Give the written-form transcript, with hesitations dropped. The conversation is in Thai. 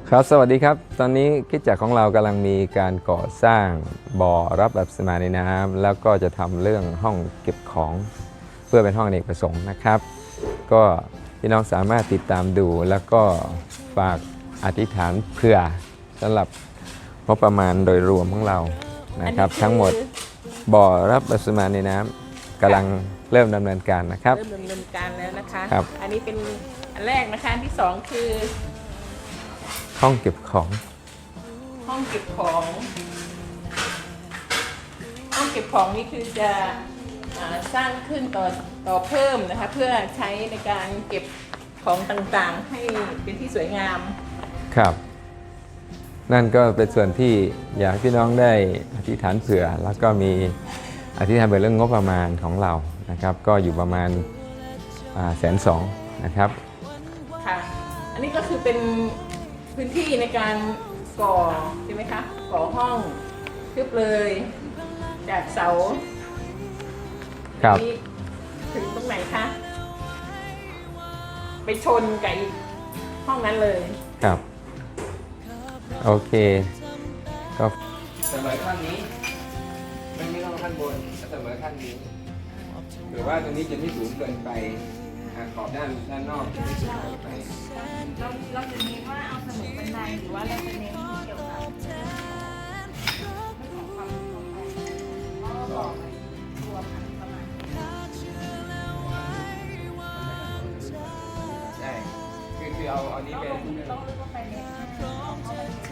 ครับสวัสดีครับตอนนี้คริสตจักรของเรากำลังมีการก่อสร้างบ่อรับแบบสมาในน้ำแล้วก็จะทำเรื่องห้องเก็บของเพื่อเป็นห้องอเนกประสงค์นะครับ ก็พี่น้องสามารถติดตามดูแล้วก็ฝากอธิษฐานเพื่อสำหรับงบประมาณโดยรวมของเรานะครับทั้งหมดบ่อรับแบบสมาในน้ำกำลังเริ่มดำเนินการนะครับเริ่มดำเนินการแล้วนะคะครับอันนี้เป็นอันแรกนะคะอันที่สองคือห้องเก็บของห้องเก็บของ ห้องเก็บของนี่คือจะสร้างขึ้นต่อเพิ่มนะคะเพื่อใช้ในการเก็บของต่างๆให้เป็นที่สวยงามครับนั่นก็เป็นส่วนที่อยากให้พี่น้องได้อธิษฐานเผื่อแล้วก็มีอธิษฐานเผื่อเรื่องงบประมาณของเรานะครับก็อยู่ประมาณ120,000นะครับค่ะอันนี้ก็คือเป็นพื้นที่ในการก่อใช่ไหมคะก่อห้องทึบเลยจากเสาครับนี้ถึงตรงไหนคะไปชนกับอีกห้องนั้นเลยครับโอเคก็เสมอขั้นนี้ไม่ต้องขั้นบนเสมอขั้นนี้หรือว่าตรงนี้จะไม่สูงเกินไปขอบด้านนอกจะไม่สูงเกินไปเราจะเน้นว่าเอาเสมอบันไดหรือว่าเราจะเน้นเกี่ยวกับเรื่องของความปลอดภัยตัวพันประมาณใช่คือเอานี้เป็นต้องเลือกว่าไปเน้น